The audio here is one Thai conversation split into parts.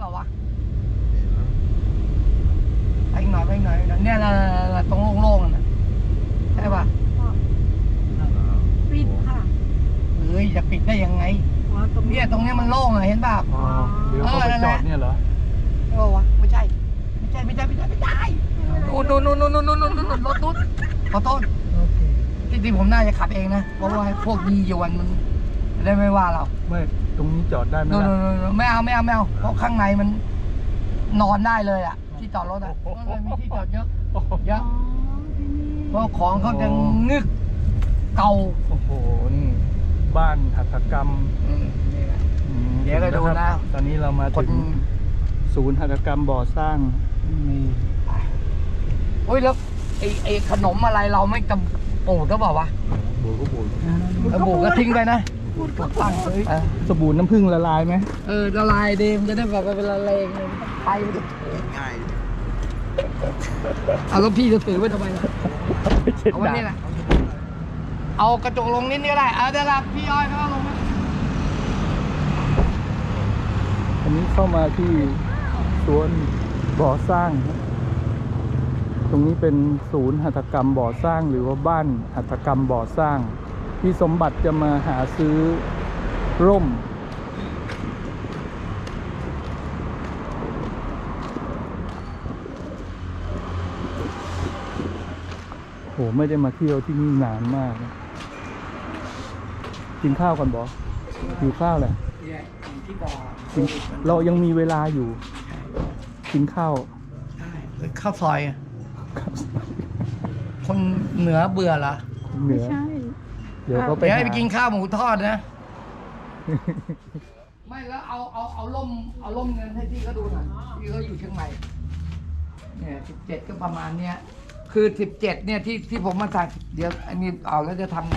เปล่าวะไปหน่อยเนี่ยตรงโล่งๆน่ะใช่ป่ะปิดค่ะเฮ้ยจะปิดได้ยังไงเนี่ยตรงนี้มันโล่งอ่ะเห็นป่ะเดี๋ยวเขาไปจอดเนี่ยเหรอโอ้วะไม่ใช่นู่นรถตุ๊ดขอโทษจริงๆผมน่าจะขับเองนะเพราะว่าพวกยียวนมันได้ไม่ว่าเราไม่ตรงนี้จอดได้ไหมล่ะไม่เอาเพราะข้างในมันนอนได้เลยอ่ะที่จอดรถอ่ะมีที่จอดเยอะเพราะของเขาจะงึกเก่าโอ้โหนี่บ้านหัตถกรรมเดี๋ยวก็ดูนะตอนนี้เรามาถึงศูนย์หัตถกรรมบ่อสร้างโอ้ยแล้วไอ้ขนมอะไรเราไม่จำปูดหรือเปล่าวะบูดก็บูดบูดก็ทิ้งไปนะตั้งสบู่น้ำผึ้งละลายไหมละลายดีมันจะได้แบบเป็นละเลงไปง่ายเอาแล้วพี่จะถือไว้ทำไมล่ะเอาไว้นี่แหละเอากระจกลงนิดก็ได้เดี๋ยวพี่อ้อยเขาลงนะอันนี้เข้ามาที่สวนบ่อสร้างตรงนี้เป็นศูนย์หัตถกรรมบ่อสร้างหรือว่าบ้านหัตถกรรมบ่อสร้างพี่สมบัติจะมาหาซื้อร่มโหไม่ได้มาเที่ยวที่นี่นานมากกินข้าวก่อนบอหิวข้าวแหละเรายังมีเวลาอยู่กินข้าวซอยคนเหนือเบื่อเหรอเหนือเดี๋ยวก็ไปให้ไปกินข้าวหมูทอดนะไม่แล้วเอาล่มเงินให้พี่เขาดูหน่อยพี่เขาอยู่เชียงใหม่เนี่ย17ก็ประมาณเนี้ยคือ17เนี่ยที่ผมมาสั่งเดี๋ยวอันนี้เอาแล้วจะทำไง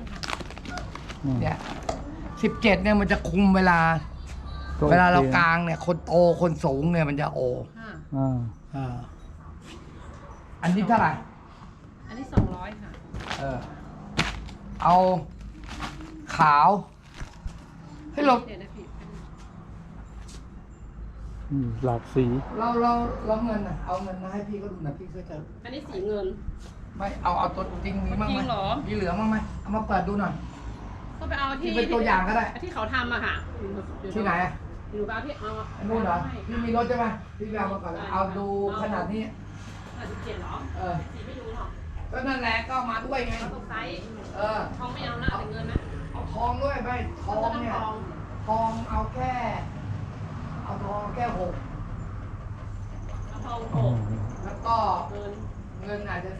เนี่ย17เนี่ยมันจะคุมเวลาเรากลางเนี่ยคนโตคนสูงเนี่ยมันจะโออันนี้เท่าไหร่อันนี้200ค่ะเอาขาวให้ลบหลากสีเราเงินเอาเงินมาให้พี่ก็ดูหน่อยพี่ก็จะอันนี้สีเงินไม่เอาตัวจริงมีบ้างไหมมีเหลือบ้างไหมเอามาเปิดดูหน่อยก็ไปเอาที่เป็นตัวอย่างก็ได้ที่เขาทำอะค่ะที่ไหนอยู่เอาที่เอานู่นเหรอพี่มีรถใช่ไหมพี่เอามาก่อนเอาดูขนาดนี้ 17เหรอสีไม่รู้หรอกก็นั่นแหละก็มาด้วยไงตกไซส์ทองไม่เอานะแต่เงินนะเอาทองด้วยไปทองเนี่ยทองเอาแค่6เอาทอง6 แล้วก็เงินอาจจะ12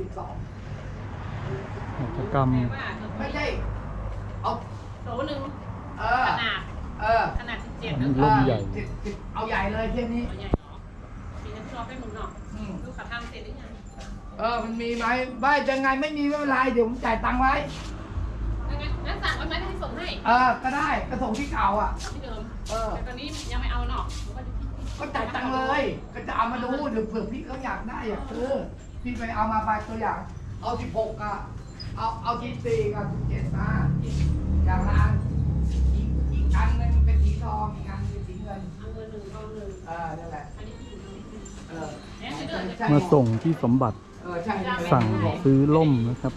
กิจกรรมไม่ใช่เอาโถนึงขนาด17 ร่มใหญ่เอาใหญ่เลยเที่ยนี้ใหญ่เนาะมีน้ำซอสไปหมุนเนาะดูขาทำเสร็จหรือยังมันมีไหมไม่จะไงไม่มีไม่เป็นไรเดี๋ยวผมจ่ายตังค์ไว้งั้นสั่งไว้ไหมให้ส่งให้ก็ได้ก็ส่งที่เก่าที่เดิมแต่ตอนนี้ยังไม่เอาเนาะก็จ่ายตังค์เลยก็จะเอามาดูเดี๋ยวเผื่อพี่เขาอยากได้พี่ไปเอามาไปตัวอย่างเอา16เอา14กับ17มาอย่างละอันอีกอันนึงเป็นสีทองอีกอันเป็นสีเงินเอาเงิน1ทอง1 นั่นแหละมาส่งที่สมบัติสั่งซื้อร่มนะครับ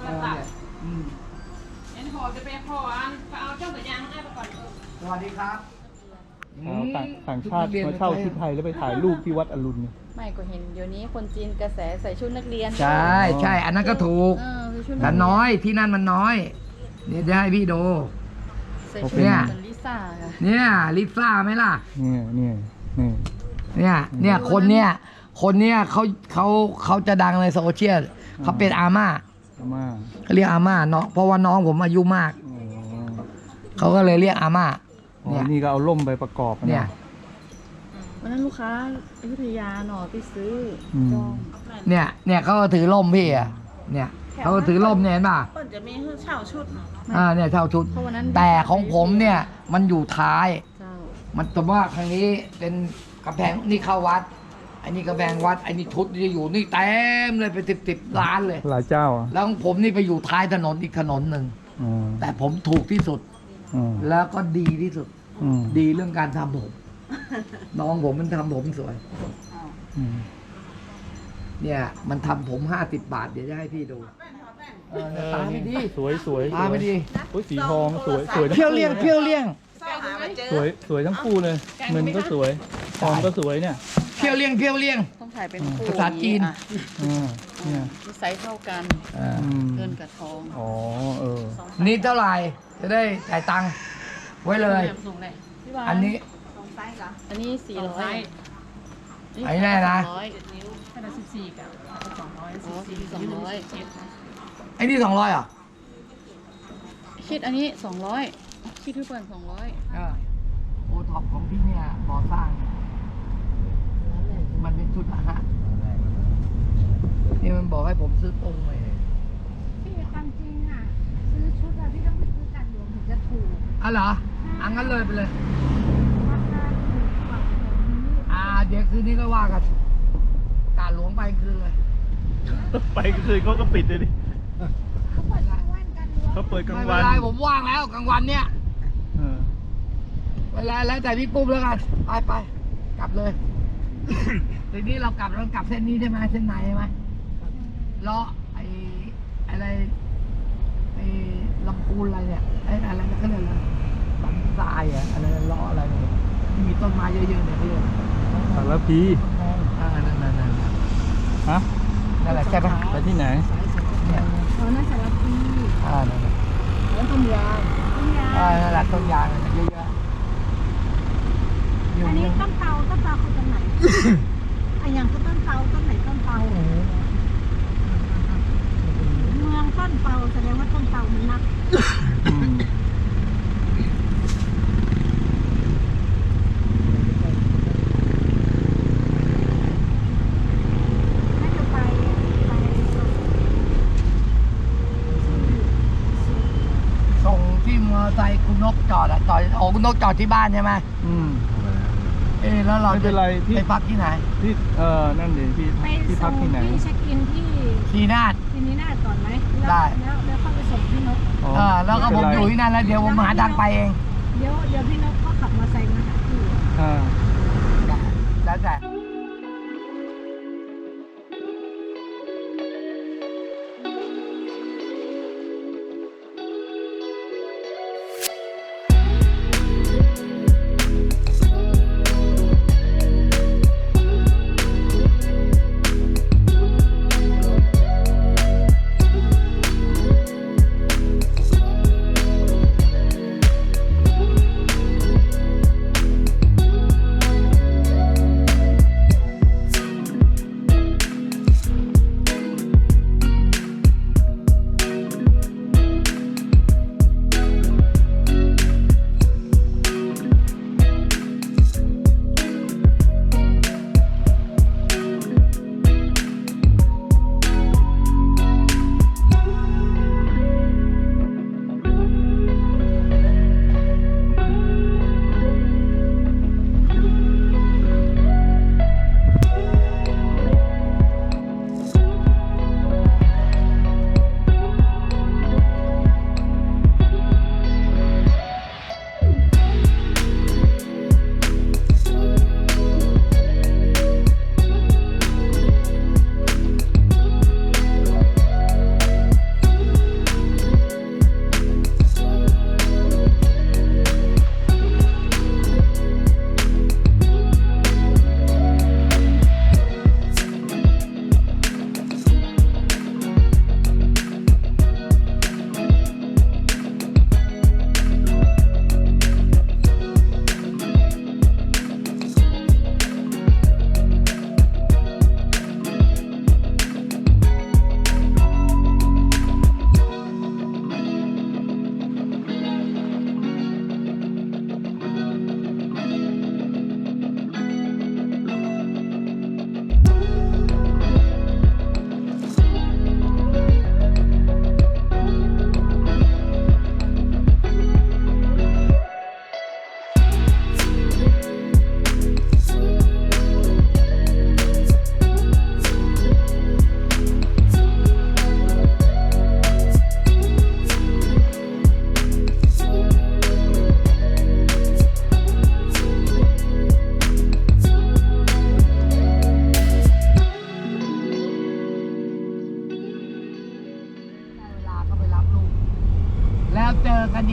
พอจะไปพอเอาเจ้าตัวยางให้ไปก่อนสวัสดีครับต่างชาติมาเช่าชุดไทยแล้วไปถ่ายรูปที่วัดอรุณเนี่ยไม่ก็เห็นเดี๋ยวนี้คนจีนกระแสใส่ชุดนักเรียนใช่อันนั้นก็ถูกแต่น้อยที่นั่นมันน้อยนี่จะให้พี่ดูเนี่ยลิซ่าเนี่ยลิซ่าไหมล่ะเนี่ยคนเนี้ยเขาจะดังในโซเชียลเขาเป็นอาม่าเขาเรียกอาม่าเนาะเพราะว่าน้องผมอายุมากเขาก็เลยเรียกอาม่าเนี่ยนี่ก็เอาล่มไปประกอบเนี่ยวันนั้นลูกค้าอยุธยาหน่อไปซื้อจองเนี่ยเขาถือล่มพี่เนี่ยเขาถือล่มเนี่ยเห็นป่ะจะมีเช่าชุดเนี่ยเช่าชุดแต่ของผมเนี่ยมันอยู่ท้ายมันแต่ว่าครั้งนี้เป็นกระแพงนี่เข้าวัดอันนี้กระแพงวัดอันนี้ชุดที่อยู่นี่เต็มเลยไป10ล้านเลยหลายเจ้าแล้วของผมนี่ไปอยู่ท้ายถนนอีกถนนหนึ่งแต่ผมถูกที่สุดแล้วก็ดีที่สุดดีเรื่องการทำผมน้องผมมันทำผมสวยอืมเนี่ย มันทำผม50 บาท เดี๋ยวจะให้พี่ดูตาไม่ดีสวยสวยตาไม่ดีโอ้ยสีทองสวยสวยทั้งเพี้ยวเลี่ยงคู่เพี้ยวเลี่ยงสวยสวยทั้งคู่เลยเงินก็สวยทองก็สวยเนี่ยเพี้ยวเลี่ยงเพี้ยวเลี่ยงต้องถ่ายเป็นคู่ภาษาจีนอ่ะเนี่ยนิสัยเท่ากันอืมเงินกับทองอ๋อเออสองนี่เท่าไหร่ จะได้จ่ายตังค์ไว้เลยส่งเลยอันนี้อันนี้400 ไอ้แน่นะขนาด14กับ200อ๋อ200 ไอ้นี่200อ่ะคิดอันนี้200คิดทุกคน200 โอท็อปของพี่เนี่ยก่อสร้าง มันเป็นชุดฮะนี่มันบอกให้ผมซื้อตรงเลยพี่ความจริงอ่ะ ซื้อชุดอะพี่ต้องไปซื้อกันหลวงถึงจะถูกอ๋อเหรออังั้นเลยไปเลยราคาถูกกว่าของนี้เดี๋ยวคืนนี้ก็ว่ากันการหลวงไปคืนเลยไปคืนเขาก็ปิดเลยดิเขาเปิดกลางวันกันหลวงเขาเปิดกลางไม่เป็วัน นไรผมว่างแล้วกลางวันเนี่ยเออเวลาแล้วแต่พี่ปุ้มแล้วกันไปกลับเลย ทีนี้เรากลับเส้นนี้ใช่ไหมเส้นไหนใช่ไหมเลาะอะไรลำพูนอะไรเนี่ยอะไรนะเขาเรียกอะไรบันทรายอะไรเลาะอะไรเนี่ยที่มีต้นไม้เยอะๆเนี่ยพี่สารพีนั่นฮะนั่นแหละใช่ไหมไปที่ไหนเนี่ยอ๋อน่าสารพีนั่นแหละแล้วต้นยางต้นยางนั่นแหละต้นยางเยอะๆอันนี้ต้นเตาคือต้นไหน อันอย่างคือต้นเตาต้นไหนต้นเตาเมืองต้นเตาแสดงว่าต้นเตามันนักอืมน่าจะไปส่งที่มอเตอร์ไซค์คุณนกจอดคุณนกจอดที่บ้านใช่ไหมอืมแล้วเราไม่เป็นไรพี่ไปพักที่ไหนที่นั่นเดี๋ยวพี่ไปที่ส่พักงที่ไหนที่เช็คอินที่ทีนาดที่นี้น่าก่อนไหมได้แล้วเข้าไปส่งพี่นกอ๋อแล้วก็ผมไเป็นไรอยู่ที่นั่นแล้วเดี๋ยวผมหาทางไปเองเดี๋ยวพี่นกก็ขับมอเตอร์ไซค์มาหาพี่อ่าแล้วแต่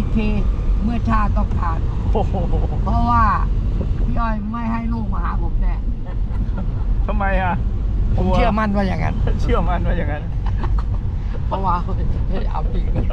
ทีเมื่อชาติต้องการโอ้โหเพราะว่าพี่อ้อยไม่ให้ลูกมาหาผมแน่ทำไมอ่ะผมเชื่อมั่นว่าอย่างนั้นเชื่อมั่นว่าอย่างนั้นเพราะว่าเฮ้ยเอาจริงเลย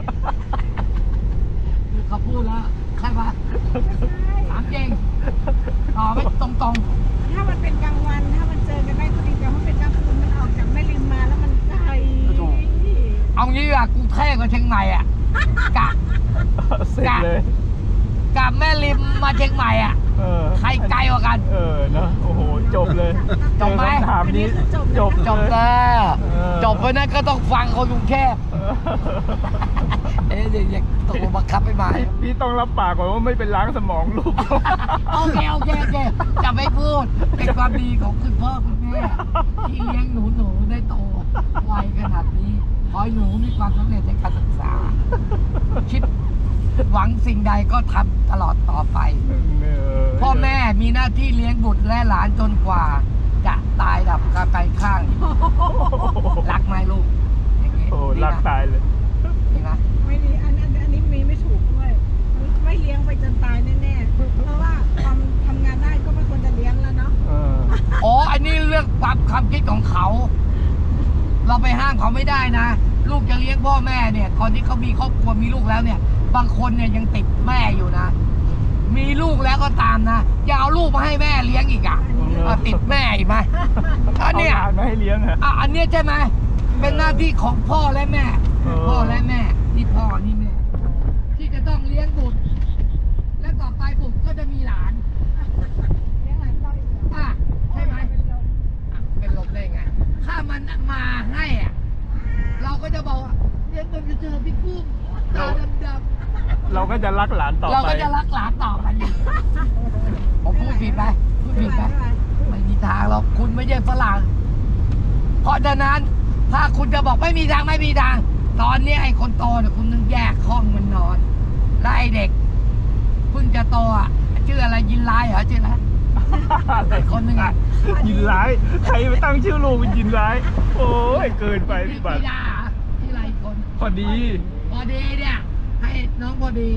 เขาพูดแล้วใช่ปะถามจริงตอบไม่ตรงถ้ามันเป็นกลางวันถ้ามันเจอกันได้ก็ดีแต่ถ้ามันเป็นกลางคืนมันออกจากแม่ริมมาแล้วมันไกลๆเอางี้อ่ะกูเท่กว่าเชียงใหม่อ่ะกะเสร็จเลยกับแม่ริมมาเชียงใหม่อ่ะเออใครไกลกว่ากันเออเนอะโอ้โห จบเลยจบไหมเจอคำถามนี้จบจบเลยแล้วเออจบไปนั้นก็ต้องฟังคนกรุงเทพเออเอ๊ะอย่าตกลงบังคับไม่มาพี่ต้องรับปากก่อนว่าไม่เป็นล้างสมองลูกโอเคจะไม่พูดเป็นความดีของคุณพ่อคุณแม่ที่เลี้ยงหนูได้โตไวขนาดนี้ขอให้หนูมีความสำเร็จในการศึกษา คิดหวังสิ่งใดก็ทำตลอดต่อไป พ่อแม่มีหน้าที่เลี้ยงบุตรและหลานจนกว่า จะตายดับกาไกลข้าง รักไหมลูกอย่างนี้โอ้รักตายเลยนี่นะไม่ดีอันนี้มีไม่ถูกด้วยไม่เลี้ยงไปจนตายแน่ๆเพราะว่าความทำงานได้ก็ไม่ควรจะเลี้ยงแล้วเนาะเอออ๋ออันนี้เรื่องความคิดของเขา เราไปห้ามเขาไม่ได้นะ ลูกจะเลี้ยงพ่อแม่เนี่ยตอนที่เขามีครอบครัวมีลูกแล้วเนี่ย บางคนเนี่ยยังติดแม่อยู่นะ มีลูกแล้วก็ตามนะอย่าเอาลูกมาให้แม่เลี้ยงอีกอ่ะติดแม่อีกไหมอันเนี้ยเอาหลานมาให้เลี้ยงอะอันเนี้ยใช่ไหมเป็นหน้าที่ของพ่อและแม่ พ่อและแม่นี่พ่อนี่แม่ ที่จะต้องเลี้ยงบุตร และต่อไปบุตรก็จะมีหลานเลี้ยงหลานต่ออีกเหรออ่ะใช่ไหมเป็นลมเป็นลมได้ไง ถ้ามันมาให้อ่ะ เราก็จะบอกว่าเลี้ยงจนจะเจอพี่ปุ้มตาดำเราก็จะรักหลานต่อๆไปเราก็จะรักหลานต่อไปอีกผมพูดผิดไหมพูดผิดไหมไม่มีทางหรอกคุณไม่ใช่ฝรั่ง เพราะฉะนั้นถ้าคุณจะบอกไม่มีทางไม่มีทาง ตอนนี้ไอ้คนโตเนี่ยคุณต้องแยกห้องมันนอนแล้วไอ้เด็กเพิ่งจะโตอ่ะชื่ออะไรยินไลเหรอชื่ออะไรไอ้คนหนึงอ่ะยินร้าย ใครไปตั้งชื่อลูกเป็นยินร้าย โอ้ยเกินไปพี่บัตรพี่ดาที่ไรคนพอดีพอดีเนี่ย ให้น้องพอดี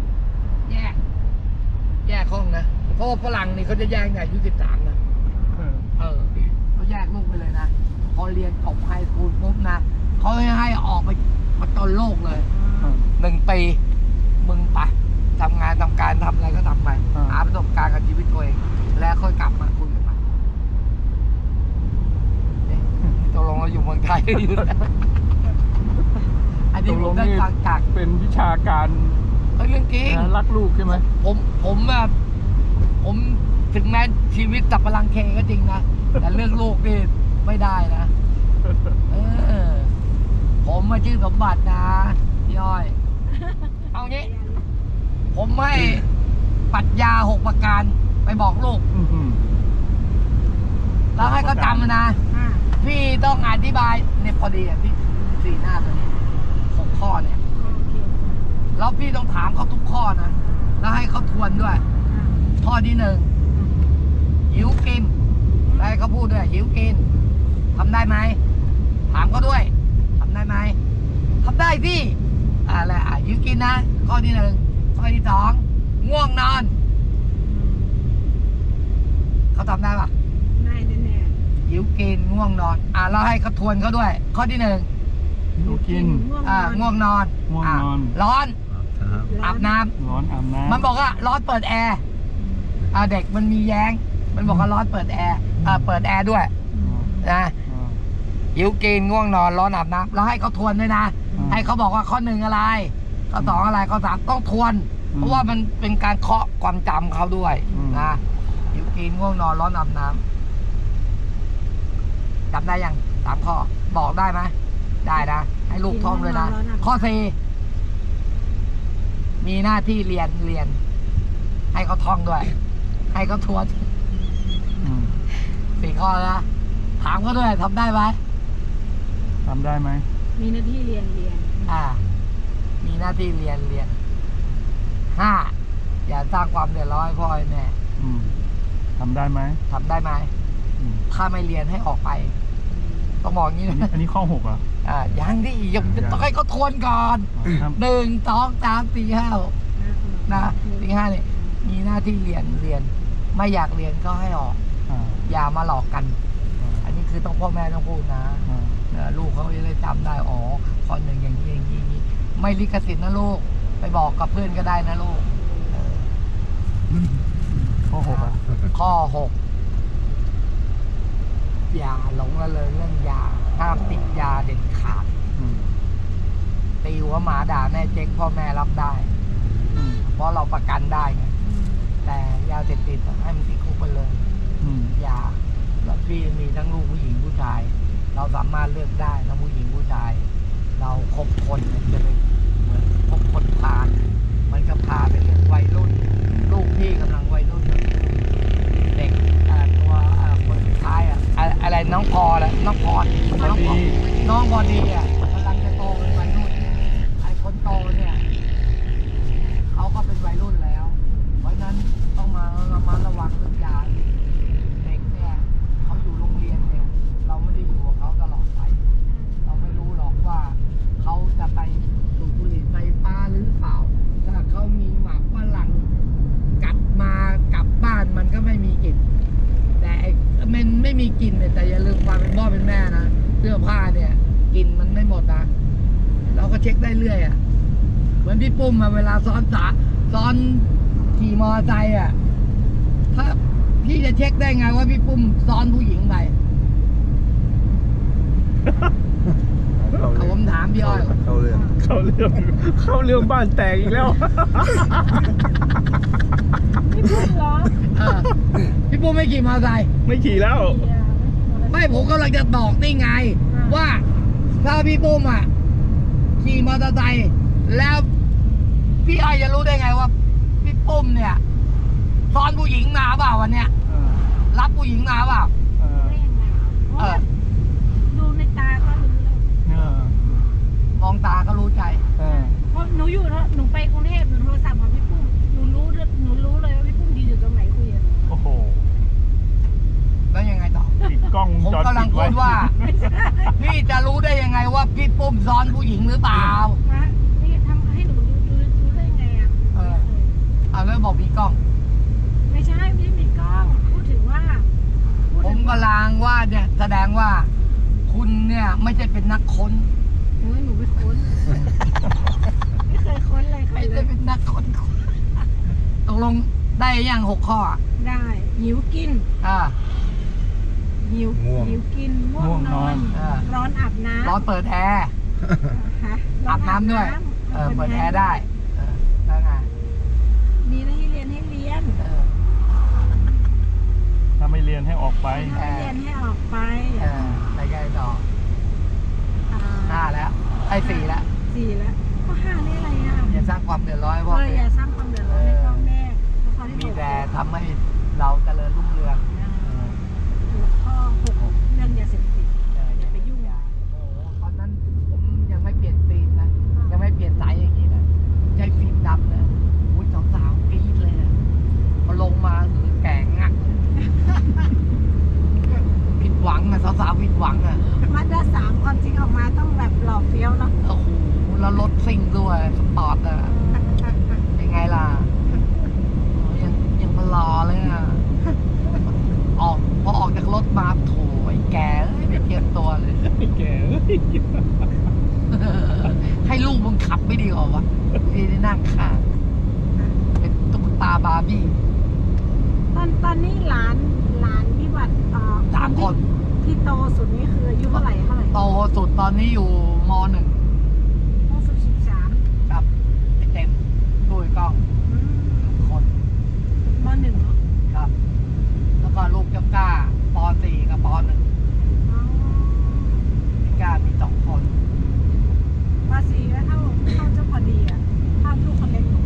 แยกห้องนะเพราะว่าฝรั่งนี่เขาจะแยกเนี่ยอายุ13นะเขาแยกลูกไปเลยนะพอเรียนจบไฮสคูลปุ๊บนะเขาให้ออกไปมาตนโลกเลย 1 ปีมึงไปทำงานทำการทำอะไรก็ทำไปหาประสบการณ์กับชีวิตตัวเองแล้วค่อยกลับมาคุยกันใหม่เนี่ยตกลงเราอยู่เมืองไทยอยู่นะอันนี้ผมได้ฟังจากเป็นวิชาการเรื่องจริงรักลูกใช่ไหมผมแบบผมถึงแม้ชีวิตตับพลังเคก็จริงนะ แต่เรื่องลูกนี่ไม่ได้นะผมมาชื่อสมบัตินะพี่อ้อย เอางี้ ผมให้ปรัชญา6 ประการไปบอกลูก แล้วให้เขาจำนะ พี่ต้องอธิบายเนี่ยพอดีอ่ะพี่ถือ4 หน้าตัวนี้6 ข้อเนี่ย แล้วพี่ต้องถามเขาทุกข้อนะ แล้วให้เขาทวนด้วย ข้อที่ 1หิวกินได้เขาพูดด้วยหิวกินทำได้ไหมถามเขาด้วยทำได้ไหมทำได้พี่อะไรหิวกินนะข้อที่ 1ข้อที่ 2ง่วงนอนเขาทำได้ปะได้แน่หิวกินง่วงนอนเราให้เขาทวนเขาด้วย ข้อที่ 1 ลูกกินง่วงนอนง่วงนอนร้อนๆอาบน้ำร้อนอาบน้ำมันบอกว่าร้อนเปิดแอร์เด็กมันมีแย้ง มันบอกว่าร้อนเปิดแอร์เปิดแอร์ด้วยนะหิวกินง่วงนอนร้อนอาบน้ำแล้วให้เขาทวนด้วยนะ ให้เขาบอกว่าข้อ 1อะไรข้อ 2อะไรข้อ 3ต้องทวน เพราะว่ามันเป็นการเคาะความจำเขาด้วยนะหิวกินง่วงนอนร้อนอาบน้ำจำได้ยัง3 ข้อบอกได้ไหมได้นะให้ลูกท่องเลยนะข้อ 4มีหน้าที่เรียน ให้เขาท่องด้วย ให้เขาทวน4 ข้อนะถามเขาด้วยทำได้ไหมทำได้ไหมมีหน้าที่เรียนมีหน้าที่เรียน 5อย่าสร้างความเดือดร้อนให้พ่อให้แม่ทำได้ไหมทำได้ไหมถ้าไม่เรียนให้ออกไป ต้องบอกงี้นะอันนี้ข้อ 6เหรอยังดิยังต้องให้เขาทวนก่อน 1 2 3 4 5 นะปีห้าเนี่ยมีหน้าที่เรียนไม่อยากเรียนก็ให้ออก อย่ามาหลอกกัน อันนี้คือต้องพ่อแม่ต้องพูดนะลูกเขาจะได้จำได้อ๋อข้อหนึ่งอย่างนี้อย่างนี้ไม่ลิขสิทธิ์นะลูกไปบอกกับเพื่อนก็ได้นะลูกข้อหกอะข้อ 6 อย่าหลงละเลยเรื่องยาห้ามติดยาเด็ดขาด ตีหัวหมาด่าแม่เจ๊กพ่อแม่รับได้ เพราะเราประกันได้ไงแต่ยาเสพติดให้มันติดคุกไปเลยอย่าแล้วพี่มีทั้งลูกผู้หญิงผู้ชาย เราสามารถเลือกได้ทั้งผู้หญิงผู้ชาย เราคบคนเนี่ยจะไปเหมือนคบคนพาลมันก็พาไปเป็นวัยรุ่น ลูกพี่กำลังวัยรุ่นเด็กตัวคนสุดท้ายอะไรน้องพอแหละน้องพรน้องพอดีกำลังจะโตเป็นวัยรุ่นไอ้คนโตเนี่ยเขาก็เป็นวัยรุ่นแล้ว เพราะนั้นต้องมาระมัดระวังเรื่องยาเด็กเนี่ยเขาอยู่โรงเรียนเนี่ยเราไม่ได้อยู่กับเขาตลอดไปเราไม่รู้หรอกว่าเขาจะไปสูบบุหรี่ไฟฟ้าหรือเปล่าถ้าเขามีหมากฝรั่งกลับบ้านมันก็ไม่มีกลิ่นแต่มันไม่มีกลิ่นเนี่ยแต่อย่าลืมความเป็นพ่อเป็นแม่นะเสื้อผ้าเนี่ยกลิ่นมันไม่หมดนะเราก็เช็คได้เรื่อยเหมือนพี่ปุ้มเวลาซ้อนขี่มอเตอร์ไซค์ถ้าพี่จะเช็คได้ไงว่าพี่ปุ้มซ้อนผู้หญิงไปผมถามพี่อ้อยเข้าเรื่องบ้านแตกอีกแล้วพี่พูดเหรอพี่ปุ้มไม่ขี่มอเตอร์ไซค์ไม่ขี่แล้วไม่ผมกำลังจะบอกนี่ไง ว่าถ้าพี่ปุ้มขี่มอเตอร์ไซค์แล้วพี่อ้อยจะรู้ได้ไงว่าพี่ปุ้มเนี่ยซ้อนผู้หญิงมาเปล่าวันเนี้ยรับผู้หญิงมาเปล่าได้ยังไงดูในตาก็รู้แล้วมองตาก็รู้ใจเพราะหนูไปกรุงเทพหนูโทรศัพท์หาพี่ปุ้มหนูรู้เลยว่าพี่ปุ้มยืนอยู่ตรงไหนคุยกับหนูโอ้โหแล้วยังไงต่อติดกล้องผมกำลังพูดว่า พี่จะรู้ได้ยังไงว่าพี่ปุ้มซ้อนผู้หญิงหรือเปล่านี่ทำให้หนูรู้ได้ยังไงแล้วบอกมีกล้องไม่ใช่ไม่ได้มีกล้องพูดถึงว่าผมกำลังว่าเนี่ยแสดงว่า คุณเนี่ยไม่ใช่เป็นนักค้นหนูไม่ค้นไม่เคยค้นเลยใครไม่เลได้ยเป็นนักค้นตกลงได้ยัง6 ข้อได้หิวกิน หิวกินง่วงนอนร้อนอาบน้ำร้อนเปิดแอร์ อาบน้ำด้วย เปิดแอร์ได้แล้วไงมีหน้าที่เรียนให้เรียนถ้าไม่เรียนให้ออกไปถ้าไม่เรียนให้ออกไปไปไงต่อ5 แล้วไอ้4 แล้ว 4 แล้วก็5นี่อะไรอ่ะอย่าสร้างความเดือดร้อนให้พ่ออแม่ย่าสร้างความเดือดร้อนให้พ่อแม่ข้อที่มีแต่ทำให้เราเจริญรุ่งเรืองข้อ6เรื่องยาเสพติดอย่าไปยุ่งโอ้ตอนนั้นผมยังไม่เปลี่ยนฟิล์มนะยังไม่เปลี่ยนสายอย่างนี้นะใช้ฟิล์มดำนะอุ้ยสาวๆกรี๊ดเลยนะพอลงมาหือแก่งักผิดหวังสาวๆผิดหวังมาด้า3ความจริงออกมาต้องแบบหล่อเฟี้ยวเนาะโอ้โหแล้วรถซิ่งด้วยสปอร์ตยังไงล่ะยังมารอเลยพอออกจากรถมาโถไอ้แกไม่เตรียมตัวเลยแกให้ลูกมึงขับไม่ดีกว่าวะพี่ได้นั่งข้างเป็นตุ๊กตาบาร์บี้ตอนนี้หลานพี่บัตร 3 คนที่โตสุดนี่คืออายุเท่าไหร่โตสุดตอนนี้อยู่ม.1 โตสุด13 กับไอ้เต็มด้วยกล้องคนม.1 เนาะครับ แล้วก็ลูกเจ้าก้าป.4 กับป.1ก้ามี2 คนป.4 แล้วเท่าเจ้าพอดีอ่ะเท่าลูกคนเล็กหนู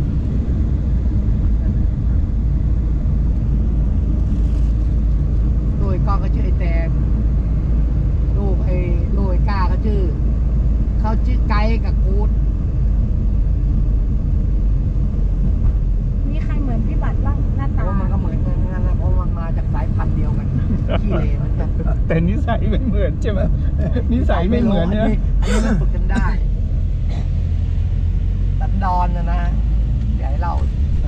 ด้วยกล้องก็ชื่อไอ้แตมลูกไอ้ก้าเขาชื่อไกด์กับกู๊ดมีใครเหมือนพี่บัตรบ้างหน้าเพตาราะมันก็เหมือนกันนะเพราะมันมาจากสายพันธุ์เดียวกันขี้เหร่เหมือนกันแต่นิสัยไม่เหมือนใช่ไหมนิสัยไม่เหมือนเนี่ยอันนี้มันฝึกกันได้สันดอนนะอย่าให้เรา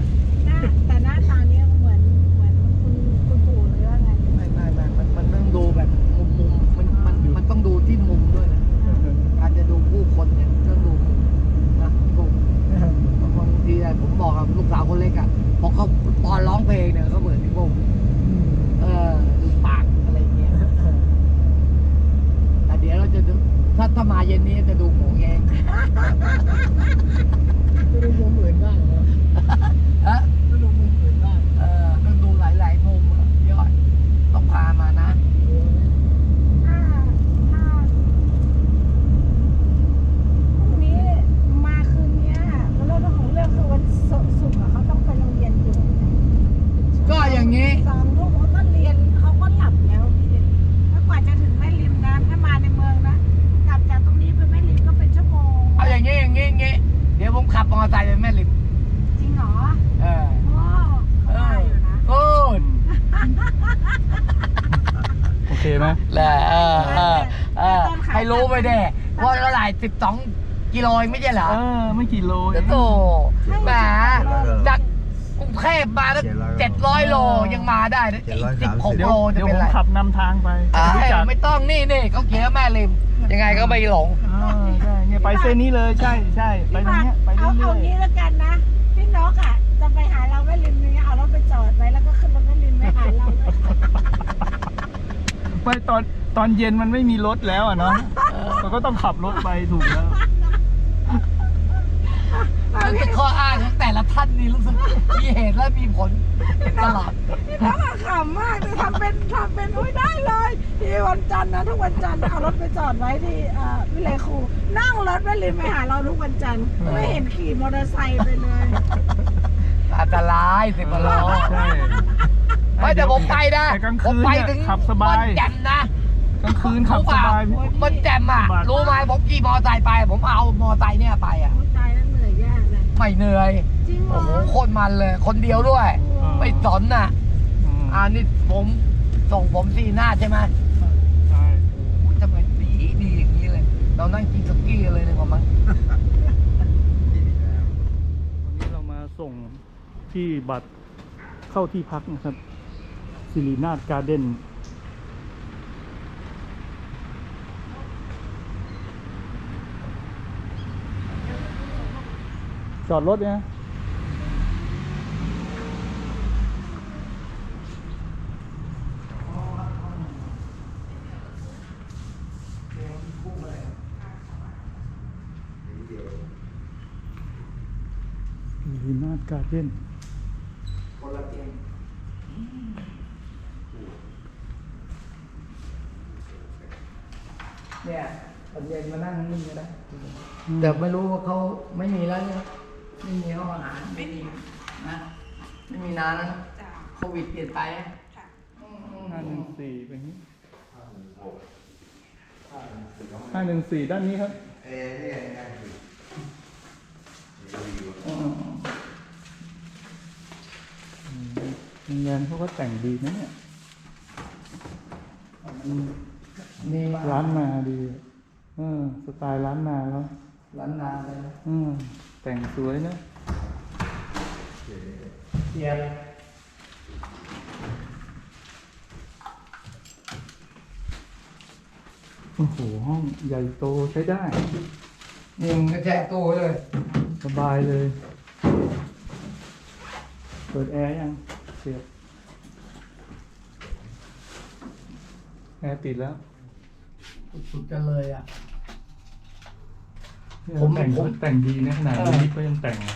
โอเคไหมแหละให้รู้ไปเด้ว่าเท่าไหร่12 กิโลเองไม่ใช่เหรอไม่กี่โลเองโตแหมจากกรุงเทพมาตั้ง700 โลยังมาได้เลยอีก16 เดี๋ยวโลจะเดี๋ยวเป็ผนมไรขับนำทางไปไม่ต้องนี่เขาเขียนว่าแม่ริม ยังไงก็ไม่หลงใช่เนี่ยไปเส้นนี้เลยใช่ไปทางเนี้ยไปเรื่เอาอยงี้แล้วกันนะพี่นกอ่ะจะไปหาเราแม่ริมนี้เอารถไปจอดไว้แล้วก็ขึ้นรถแม่ริมไปหาเราเลยๆไปตอนเย็นมันไม่มีรถแล้วอ่ะเนาะเราก็ต้องขับรถไปถูกแล้วคือเป็นข้ออ้างของแต่ละท่านนี่รู้สึกมีเหตุและมีผลตลอดพี่น้องอะขำมากเลยทำเป็นอุ้ยได้เลยที่วันจันทร์นะทุกวันจันทร์เอารถไปจอดไว้ที่วิเลครูนั่งรถแม่ริมไปหาเราทุกวันจันทร์ไม่เห็นขี่มอเตอร์ไซค์ไปเลยอันตราย10 กิโลใช่ไม่แต่ผมไปนะแต่กลางผมคืนไปเนี่ยถึงขับสบายมันแจ่มนะกลางคืนขับสบายมันแจ่มอ่ะ รู้ไหมผมขี่มอไซค์ไป ผมเอามอไซค์เนี่ยไปอ่ะโอ้ยตายแล้วเหนื่อยยากเลยไม่เหนื่อยจริงเหรโอ้อโหโคตรมันเลย คนเดียวด้วย ไม่สนน่ะ นี่ผมส่งผม4 หน้าใช่ไหมใช่โอ้ยทำไมดีอย่างนี้เลย เรานั่งกินสกี้เลยดีกว่ามั้งวันนี้เรามาส่งที่บัตรเข้าที่พักนะครับสิรินาถการ์เด้นจอดรถเนี่ยสิรินาถการ์เด้นคนละเตียงเนี่ยตอนเย็นมานั่งนี่ก็ได้แต่ไม่รู้ว่าเขาไม่มีแล้วเนี่ยไม่มีห้องอาหารไม่มีนะไม่มีนานแล้วโควิดเปลี่ยนไปนะ 514เป็นนี้514ด้านนี้ครับโรงแรมเขาก็แต่งดีนะเนี่ยนี่มาร้านนาดีสไตล์ร้านนาแล้วร้านนาเลยนะแต่งสวยนะเทียบโอ้โหห้องใหญ่โตใช้ได้นี่มึงก็แจกตู้เลยสบายเลย เปิดแอร์ยังเสียบแอร์ติดแล้วสุดๆกันเลยอ่ะเนี่ยผมแต่งดีนะขนาดนี้ก็ยังแต่ง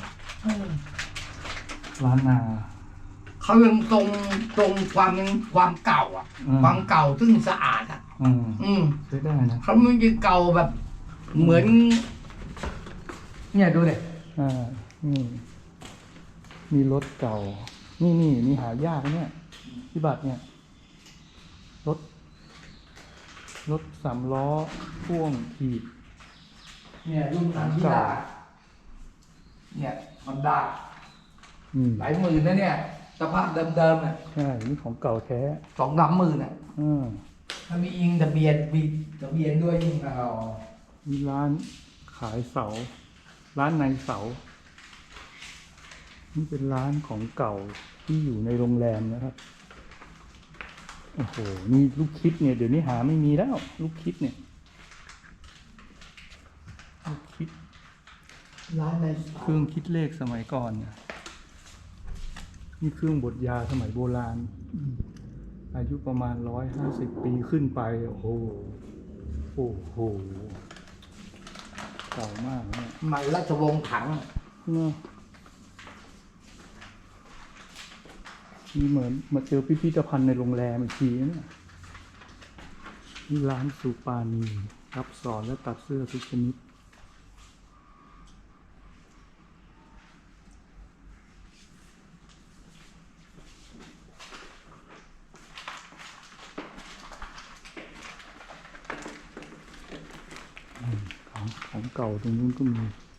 ร้านนาเขายังตรงความเก่าอ่ะ ความเก่าซึ่งสะอาดอ่ะใช้ได้นะเขาไม่ยังเก่าแบบ เหมือน เนี่ยดูเลยนี่มีรถเก่า นี่หายากนะเนี่ยที่บัตรเนี่ย รถ3 ล้อพ่วงถีบเนี่ยรุ่นนั้นที่ดาเนี่ยมันดาหลายหมื่นนะเนี่ยสภาพเดิมๆอ่ะใช่นี่ของเก่าแท้ 2-3 หมื่นอ่ะ ถ้ามีอิงทะเบียนด้วยยิ่งเอามีร้านขายเสา ร้านในเสา นี่เป็นร้านของเก่าที่อยู่ในโรงแรมนะครับ โอ้โห นี่ลูกคิดเนี่ยเดี๋ยวนี้หาไม่มีแล้ว ลูกคิดเนี่ย ลูกคิดร้านในเครื่องคิดเลขสมัยก่อนเนี่ยนี่เครื่องบดยาสมัยโบราณ อายุประมาณ150 ปีขึ้นไป โอ้โห เก่ามากเนี่ยมันราชวงศ์ถังเนอะนี่เหมือนมาเจอพิพิธภัณฑ์ในโรงแรมอีกทีนะเนี่ยนี่ร้านสุปานีรับสอนและตัดเสื้อทุกชนิดของเก่าตรงนู้นก็มี